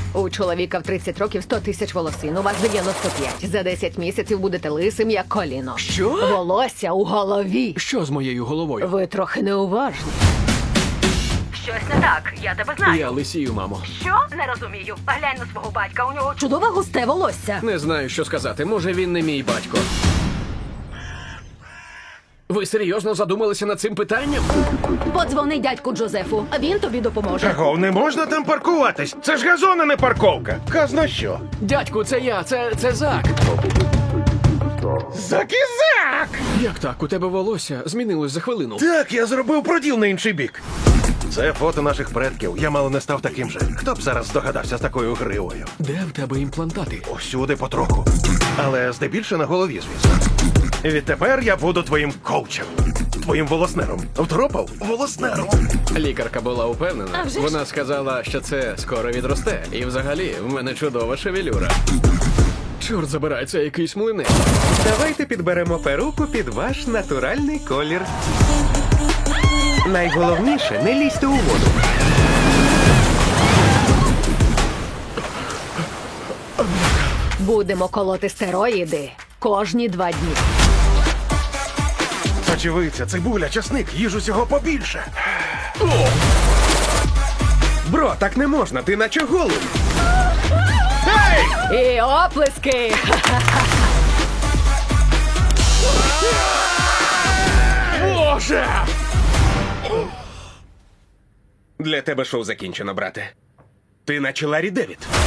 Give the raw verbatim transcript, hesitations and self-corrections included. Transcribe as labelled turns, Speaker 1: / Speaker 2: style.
Speaker 1: У чоловіка в тридцять років сто тисяч волосин, у вас дев'яносто п'ять. За десять місяців будете лисим, як коліно.
Speaker 2: Що?
Speaker 1: Волосся у голові.
Speaker 2: Що з моєю головою?
Speaker 1: Ви трохи неуважні.
Speaker 3: Щось не так, я тебе знаю.
Speaker 2: Я лисію, мамо.
Speaker 3: Що? Не розумію. Глянь на свого батька, у нього
Speaker 1: Чудове густе волосся.
Speaker 2: Не знаю, що сказати. Може, він не мій батько. Ви серйозно задумалися над цим питанням?
Speaker 1: Подзвони дядьку Джозефу, а він тобі допоможе.
Speaker 4: Чого, не можна там паркуватись? Це ж газон, а не парковка. Казна що?
Speaker 2: Дядьку, це я, це, це Зак.
Speaker 4: Закізак!
Speaker 2: Як так? У тебе волосся змінилось за хвилину.
Speaker 4: Так, я зробив проділ на інший бік. Це фото наших предків. Я мало не став таким же. Хто б зараз здогадався з такою гривою?
Speaker 2: Де в тебе імплантати?
Speaker 4: Усюди потроху. Але здебільше на голові, звісно. Відтепер я буду твоїм коучем. Твоїм волоснером. Втропав? Волоснером.
Speaker 2: Лікарка була упевнена.
Speaker 1: А вже ж.
Speaker 2: Вона сказала, що це скоро відросте. І взагалі, в мене чудова шевелюра. Чорт забирай, це якийсь млинець.
Speaker 5: Давайте підберемо перуку під ваш натуральний колір. Найголовніше, не лізьте у воду.
Speaker 1: Будемо колоти стероїди кожні два дні.
Speaker 4: Сочевиця, цибуля, часник, їж усього побільше.
Speaker 5: Бро, так не можна, ти наче голий.
Speaker 1: І оплески!
Speaker 4: Боже!
Speaker 5: Для тебе шоу закінчено, брате. Ти наче Ларі Девід.